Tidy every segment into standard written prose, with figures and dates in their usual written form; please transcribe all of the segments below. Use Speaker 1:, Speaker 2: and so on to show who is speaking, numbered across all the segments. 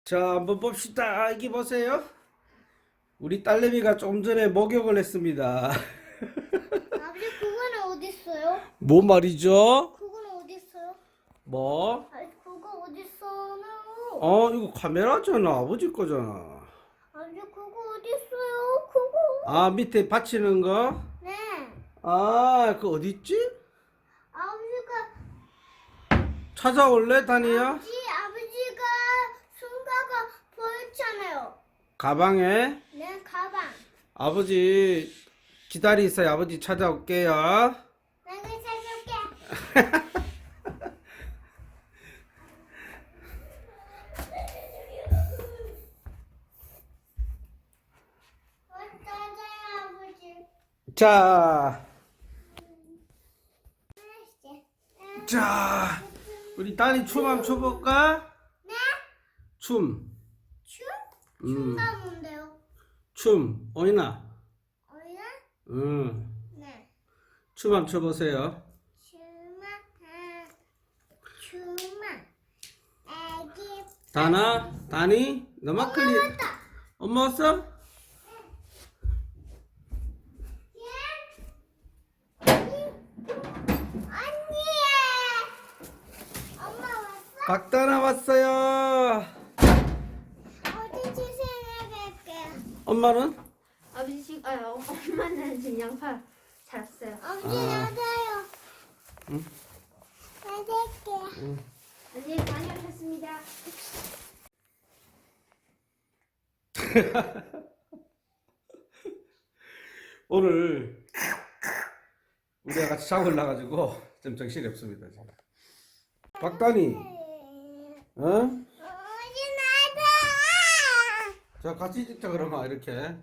Speaker 1: 자, 한번 봅시다. 여기 보세요. 우리 딸내미가 좀 전에 목욕을 했습니다.
Speaker 2: 아버지 그거는 어디 있어요?
Speaker 1: 뭐 말이죠?
Speaker 2: 그거는 어디 있어요?
Speaker 1: 뭐?
Speaker 2: 아버지 그거 어디 있어요?
Speaker 1: 이거 카메라잖아. 아버지 거잖아.
Speaker 2: 아버지 그거 어디 있어요? 그거.
Speaker 1: 아, 밑에 받치는 거?
Speaker 2: 네.
Speaker 1: 아, 그 어디 있지?
Speaker 2: 아버지가
Speaker 1: 찾아올래, 다니야?
Speaker 2: 아버지가 순가가 보였잖아요.
Speaker 1: 가방에?
Speaker 2: 네 가방.
Speaker 1: 아버지 기다리세요. 아버지 찾아올게요.
Speaker 2: 내가 찾아올게. 찾아요 아버지.
Speaker 1: 자,
Speaker 2: 네.
Speaker 1: 자, 우리 딸이 춤 한번 춰볼까?
Speaker 2: 네?
Speaker 1: 춤.
Speaker 2: 춤?
Speaker 1: 음,
Speaker 2: 춤가 뭔데요?
Speaker 1: 춤. 어이나.
Speaker 2: 어이나?
Speaker 1: 춤
Speaker 2: 네.
Speaker 1: 한번 춰보세요.
Speaker 2: 춤아 애기
Speaker 1: 다나, 다니, 너만 클리.
Speaker 2: 왔다.
Speaker 1: 엄마 왔어?
Speaker 2: 언니 엄마 왔어?
Speaker 1: 박다나 왔어요.
Speaker 2: 어디 주세요 갈게요.
Speaker 1: 엄마는?
Speaker 3: 아버지 지금 엄마는 지금 양파 잤어요.
Speaker 2: 엄지
Speaker 1: 아.
Speaker 2: 나가요.
Speaker 1: 응?
Speaker 2: 나갈게요.
Speaker 3: 아버지 다녀오셨습니다.
Speaker 1: 오늘 우리가 같이 샤워를 나가지고 좀 정신이 없습니다. 지금. 박다니, 어?
Speaker 2: 어디 나가?
Speaker 1: 자, 같이 찍자 그러면 이렇게.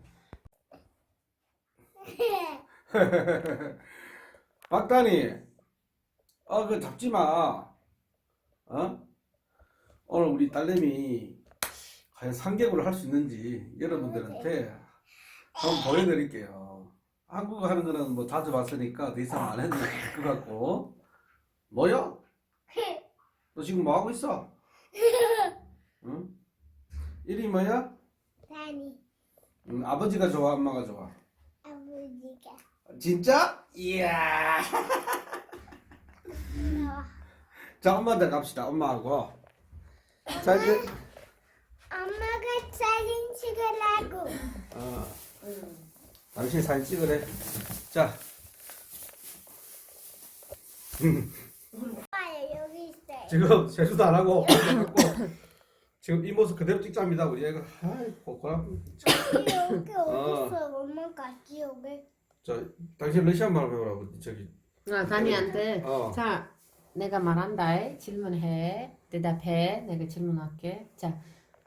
Speaker 1: 박다니, 그 잡지 마. 오늘 우리 딸내미 과연 상객으로 할 수 있는지 여러분들한테 한번 보여드릴게요. 한국어 하는 거는 뭐 자주 봤으니까 더 이상 안 해도 될 것 같고. 뭐야? 너 지금 뭐 하고 있어? 응? 이름이 뭐야?
Speaker 2: 다니
Speaker 1: 아버지가 좋아, 엄마가 좋아?
Speaker 2: 아버지가
Speaker 1: 진짜? 이야. 자, 엄마한테 갑시다. 엄마하고. 자, 이제
Speaker 2: 엄마가 사진 찍으라고.
Speaker 1: 당신 사진 찍으래. 자,
Speaker 2: 봐요 여기 있어요.
Speaker 1: 지금 세수도 안 하고 지금 이 모습 그대로 찍자입니다. 우리 애가 아이 고코람.
Speaker 2: 여기 어디 있어? 엄마 같이 여기.
Speaker 1: 자, 당신 러시아 말 배우라고 저기.
Speaker 3: 다니한테
Speaker 1: 어.
Speaker 3: 내가 말한다. 질문해. 대답해. 내가 질문할게. 자,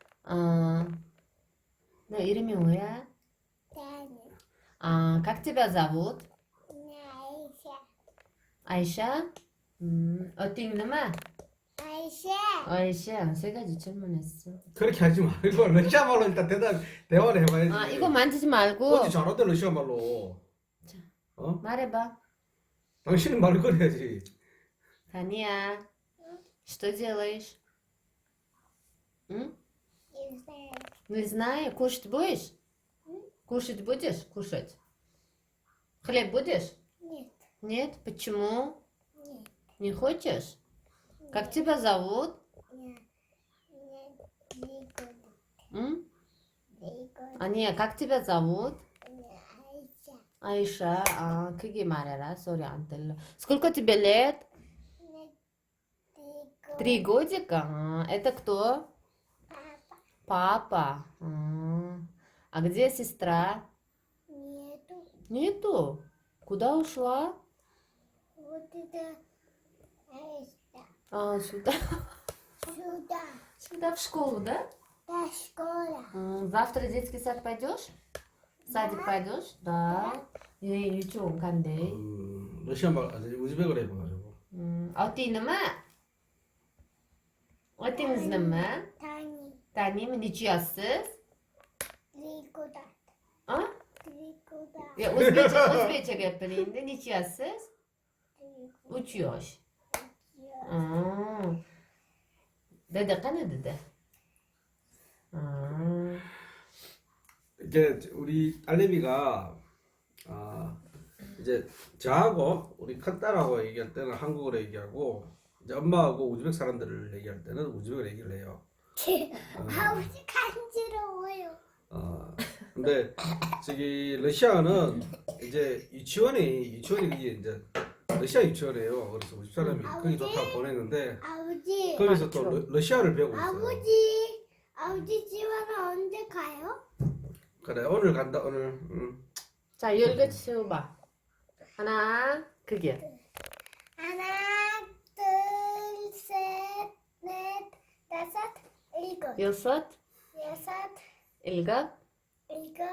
Speaker 3: 너 이름이 뭐야?
Speaker 2: 다니
Speaker 3: Как тебя зовут?
Speaker 2: 아이샤
Speaker 3: 아이샤? 어디 있는마?
Speaker 2: 아이샤
Speaker 3: 아이샤. 세 가지 질문했어.
Speaker 1: 그렇게 하지 말고 러시아 말로 일단 대화를 해봐야지.
Speaker 3: 이거 만지지 말고
Speaker 1: 어디 잘하대 러시아 말로.
Speaker 3: 자.
Speaker 1: 어?
Speaker 3: 말해봐.
Speaker 1: 당신은 말을 꺼내야지.
Speaker 3: Таня, что делаешь? М?
Speaker 2: 인생
Speaker 3: Не знаю. Кушать будешь? Кушать будешь? Кушать. Хлеб будешь?
Speaker 2: нет
Speaker 3: Нет? Почему?
Speaker 2: нет
Speaker 3: Не хочешь? Как тебя зовут?
Speaker 2: нет нет
Speaker 3: М?
Speaker 2: 이거
Speaker 3: 아니야, как тебя зовут?
Speaker 2: 아이샤
Speaker 3: Аиша. 크게 말해라. 소리 안 들려. Сколько тебе лет?
Speaker 2: нет 이거
Speaker 3: 3 годика? Это кто?
Speaker 2: папа
Speaker 3: Папа. А где сестра?
Speaker 2: нету
Speaker 3: Нету. Куда ушла?
Speaker 2: вот это Аиша
Speaker 3: Сюда.
Speaker 2: сюда
Speaker 3: Сюда в школу, да?
Speaker 2: до школа
Speaker 3: Завтра в детский сад пойдешь? В садик пойдешь? Да. 유치원 간대.
Speaker 1: 러시아 말 아니 우즈베크로 해봐가지고.
Speaker 3: 어디 있는마? 어디 있는마?
Speaker 2: 다니
Speaker 3: 따님 니치였어?
Speaker 2: 리고다
Speaker 3: 어?
Speaker 2: 리고다
Speaker 3: Ya Uzbekçe говорит, niçiyası? Uçuyor. Dede kana dede.
Speaker 1: 이게 우리 딸내미가 이제 저하고 우리 큰딸하고 얘기할 때는 한국어로 얘기하고 이제 엄마하고 우즈벡 사람들을 얘기할 때는 우즈벡어로 얘기를 해요.
Speaker 2: 아버지 간지러워요.
Speaker 1: 근데 저기 러시아는 이제 유치원이 그게 이제 러시아 유치원이에요. 그래서 우리 사람이 거기 좋다고 보냈는데
Speaker 2: 아버지.
Speaker 1: 거기서 또 러시아를 배우고 있어요.
Speaker 2: 아버지 집안은 언제 가요?
Speaker 1: 그래 오늘 간다 오늘.
Speaker 3: 자, 열개 세워봐. 하나, 그게.
Speaker 2: 하나, 둘, 셋, 넷, 다섯, 일곱,
Speaker 3: 여섯,
Speaker 2: 여섯,
Speaker 3: 일곱,
Speaker 2: 일곱,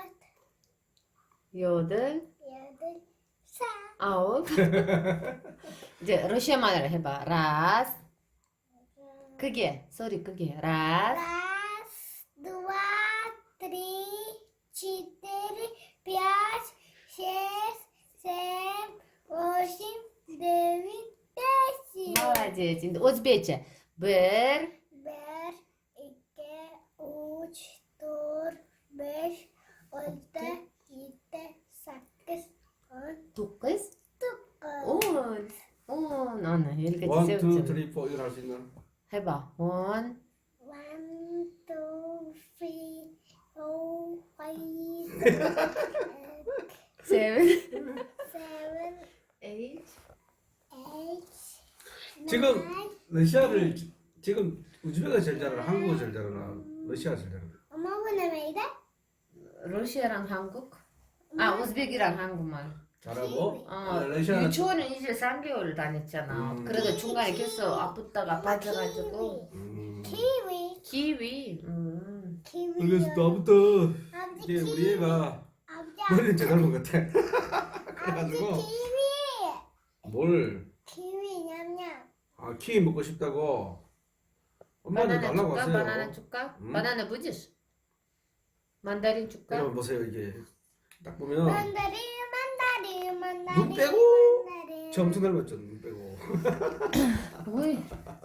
Speaker 3: 여덟,
Speaker 2: 여덟, 사.
Speaker 3: 아홉. 이제 러시아 말을 해봐. 라스. 그게 소리 그게. 라스.
Speaker 2: Раз, два, три, четыре, пять, шесть, семь, восемь, девять, десять.
Speaker 3: Молодец. Şimdi Özbekçe. Bir,
Speaker 2: Bir, iki, üç, dört, beş, altı, yedi, sekiz, on,
Speaker 3: dokuz,
Speaker 2: dokuz.
Speaker 3: on. Ana, 열개
Speaker 1: 1, 2,
Speaker 3: 세웠잖아.
Speaker 1: 3, 4 이걸 할 수 있나?
Speaker 3: 해봐. one,
Speaker 2: 1, 2, 3, 4, 5,
Speaker 3: seven,
Speaker 2: 7,
Speaker 3: eight.
Speaker 2: 8,
Speaker 1: 지금 러시아를 지금 우즈벡가 제일 잘하나 한국어 제일 잘하나 러시아 제일 잘하나?
Speaker 2: 엄마 보내 왜 이래?
Speaker 3: 러시아랑 한국? 아, 우즈벡이랑 한국말.
Speaker 1: 잘하고
Speaker 3: 어, 유치원은 이제 3개월 다녔잖아. 그래도 중간에 계속 아프다가 빠져가지고.
Speaker 2: 키위.
Speaker 3: 키위.
Speaker 2: 키위.
Speaker 1: 그래서 나부터
Speaker 2: 아버지
Speaker 1: 이제 우리
Speaker 2: 키위.
Speaker 1: 애가
Speaker 2: 아버지
Speaker 1: 머리는 제 닮은 것 같아.
Speaker 2: 아버지
Speaker 1: 그래가지고
Speaker 2: 키위.
Speaker 1: 뭘?
Speaker 2: 키위 냠냠.
Speaker 1: 키위 먹고 싶다고 엄마한테
Speaker 3: 바나나
Speaker 1: 달라고
Speaker 3: 줄까?
Speaker 1: 하세요.
Speaker 3: 바나나 줄까? 바나나 будешь? 만다린 줄까?
Speaker 1: 여러분 보세요 이게 딱 보면
Speaker 2: 만다린.
Speaker 1: 눈 빼고
Speaker 2: 만다린.
Speaker 1: 저 엄청 닮았죠 눈 빼고.
Speaker 3: 어이.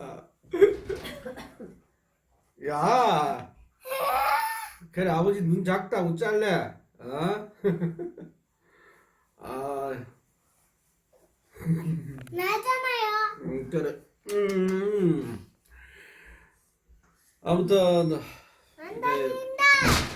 Speaker 1: 야 그래 아버지 눈 작다고 잘래? 어?
Speaker 2: 나잖아요.
Speaker 1: 그래. 아무튼
Speaker 2: 만다린다.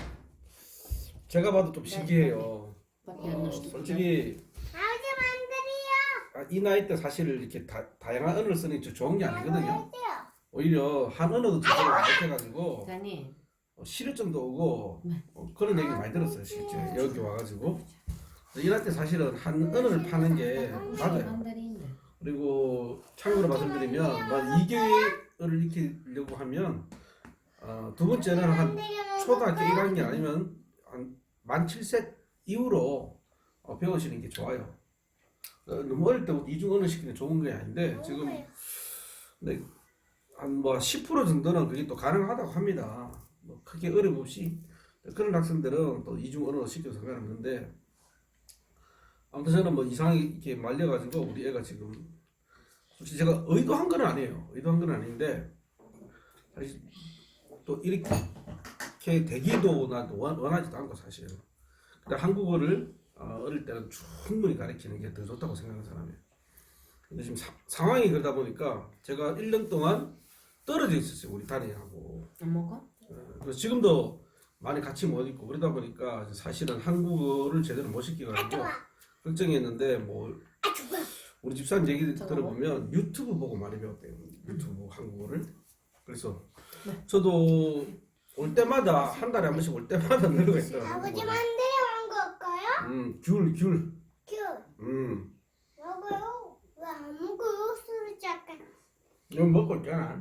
Speaker 1: 제가 봐도 좀 신기해요.
Speaker 3: 밖에 안 넣었어.
Speaker 1: 솔직히
Speaker 2: 아버지 만다리요.
Speaker 1: 이 나이 때 사실 이렇게 다양한 언어를 쓰는 게 좋은 게 아니거든요.
Speaker 2: 해줘요.
Speaker 1: 오히려 한 언어도 제대로 못해가지고
Speaker 3: 다니.
Speaker 1: 실효증도 오고 그런 얘기 많이 들었어요. 실제 여기 와가지고 이 나이 때 사실은 한 언어를 파는 게 맞아요.
Speaker 3: 만다린인데.
Speaker 1: 그리고 참고로 말씀드리면 만 2개월을 익히려고 하면 두 번째는 한 초등학교 1학년 아니면 한 만 7세 이후로 배우시는 게 좋아요. 너무 어릴 때부터 이중 언어 시키는 게 좋은 게 아닌데 지금 근데 한 뭐 10% 정도는 그게 또 가능하다고 합니다. 뭐 크게 어려움 없이 그런 학생들은 또 이중 언어 시켜서 상관없는데 아무튼 저는 뭐 이상하게 이렇게 말려가지고 우리 애가 지금 솔직히 제가 의도한 건 아니에요. 의도한 건 아닌데 사실 또 이렇게 되기도 난 원하지도 않고 사실. 근데 한국어를 어릴 때는 충분히 가르치는 게 더 좋다고 생각하는 사람이에요. 근데 지금 상황이 그러다 보니까 제가 1년 동안 떨어져 있었어요. 우리 단이하고.
Speaker 3: 안 먹어?
Speaker 1: 그래서 지금도 많이 같이 못 있고 그러다 보니까 사실은 한국어를 제대로 못 시켜가지고 걱정했는데 뭐 우리 집사람 얘기 들어보면 유튜브 보고 많이 배웠대요. 유튜브 한국어를. 그래서 저도 올 때마다 한 달에 한 번씩 올 때마다 늘어가 있더라고요.
Speaker 2: 아버지 만다린 거 할까요?
Speaker 1: 귤.
Speaker 2: 귤.
Speaker 1: 음.
Speaker 2: 먹어요. 왜 안 먹어요? 술을 잠깐.
Speaker 1: 이거 먹고 있잖아.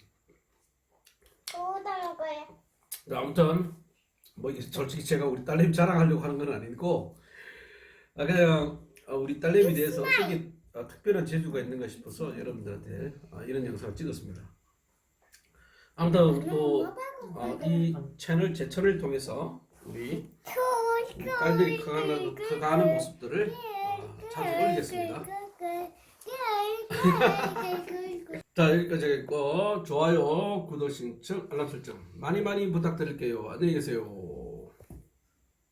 Speaker 2: 또 다 먹어요.
Speaker 1: 아무튼 뭐 이게 솔직히 제가 우리 딸내미 자랑하려고 하는 건 아니고 그냥 우리 딸내미에 대해서 어떻게 특별한 재주가 있는가 싶어서 여러분들한테 이런 영상을 찍었습니다. 아무튼 또 이 채널 제 채널을 통해서 우리 딸들이 커가는 모습들을 자주 올리겠습니다. 자 여기까지 하겠고 좋아요, 구독 신청, 알람 설정 많이 부탁드릴게요. 안녕히 계세요.